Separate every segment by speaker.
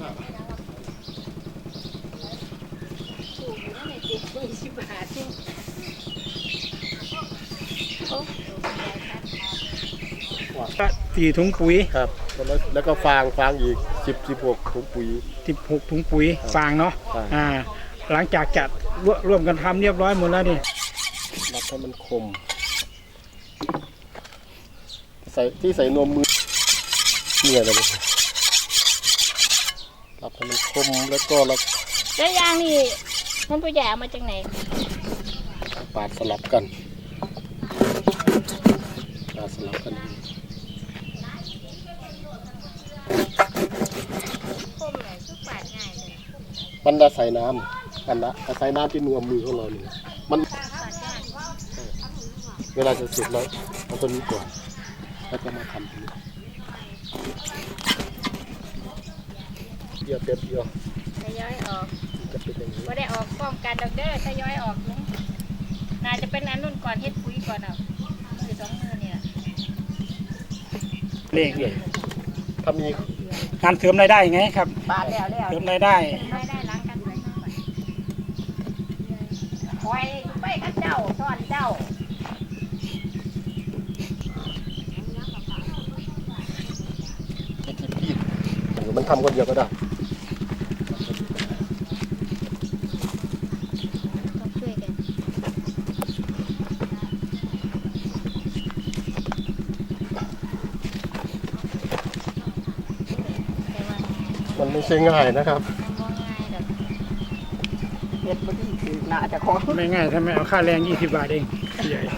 Speaker 1: 4 ถุงปุ๋ย
Speaker 2: ครับแล้วก็ฟางอีก16 ถุงปุ๋ย
Speaker 1: 16 ถุงปุ๋ยฟางเนาะหลังจากจัดร่วมกันทำเรียบร้อยหมดแล้วนี่
Speaker 2: รับให้มันคมใส่นวมมือเนี่ยอะไรแบบรับให้มันคมแล้ว
Speaker 3: ยางนี่มันตัวใหญ่เอามาจากไหน
Speaker 2: ปาดสลับกันมันได้ใส่น้ำใส่น้ำที่นวมมือของเราเนี่ยมันเวลาจะเสร็จแล้วเอาตัวนี้ก่อนแล้วก็มาทำตรงนี้เดี๋ยว
Speaker 3: ทยอยออก
Speaker 2: จะเป็นอย่างนี้
Speaker 3: ว่าได้ออกป้องกันดอกเด้อทยอยออกนุ้งน่าจะเป็นอันนุ่นก่อนเฮ็ดปุ๋ยก่อนเอามือ2 มือเนี่ย
Speaker 1: เลข
Speaker 2: เลยถ้ามี
Speaker 1: การเสริมรายได้ไงครับ
Speaker 3: บาทแล้ว
Speaker 1: เสริมรายได้
Speaker 3: ล้างกันคอยไปกับเจ้าสอนเจ้า
Speaker 2: ที่มันทำคนเดียวก็ได้มันไม่ใช่ง่ายนะครับ
Speaker 3: เฮ็ดบ่ดีคือน่าจะขอ
Speaker 1: ไม่ง่ายทำไมเอาค่าแรง20 บาทเองใหญ่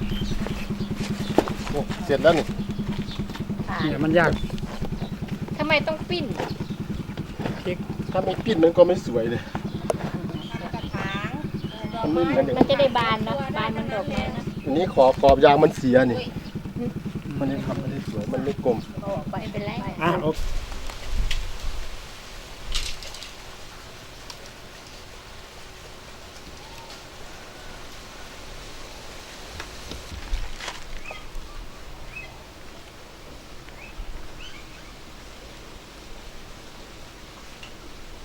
Speaker 2: เสร็จแล้วนี่
Speaker 1: เนี่ยมันยาก
Speaker 3: ทำไมต้องปิ้น
Speaker 2: ถ้าไม่ปิ้นมันก็ไม่สวยเลย
Speaker 3: มันจะได้บานเนาะบานมันดอกเลยนะ
Speaker 2: อันนี้ขอบยางมันเสียนี่มันทำไม่ได้สวยมันไม่กลม
Speaker 3: ไปเป็นไร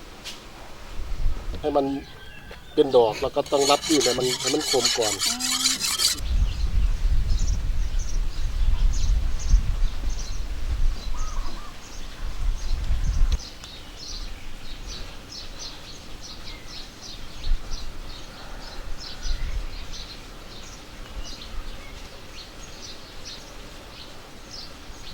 Speaker 2: ให้มันเป็นดอกแล้วก็ต้องรัดที่ให้มันคมก่อน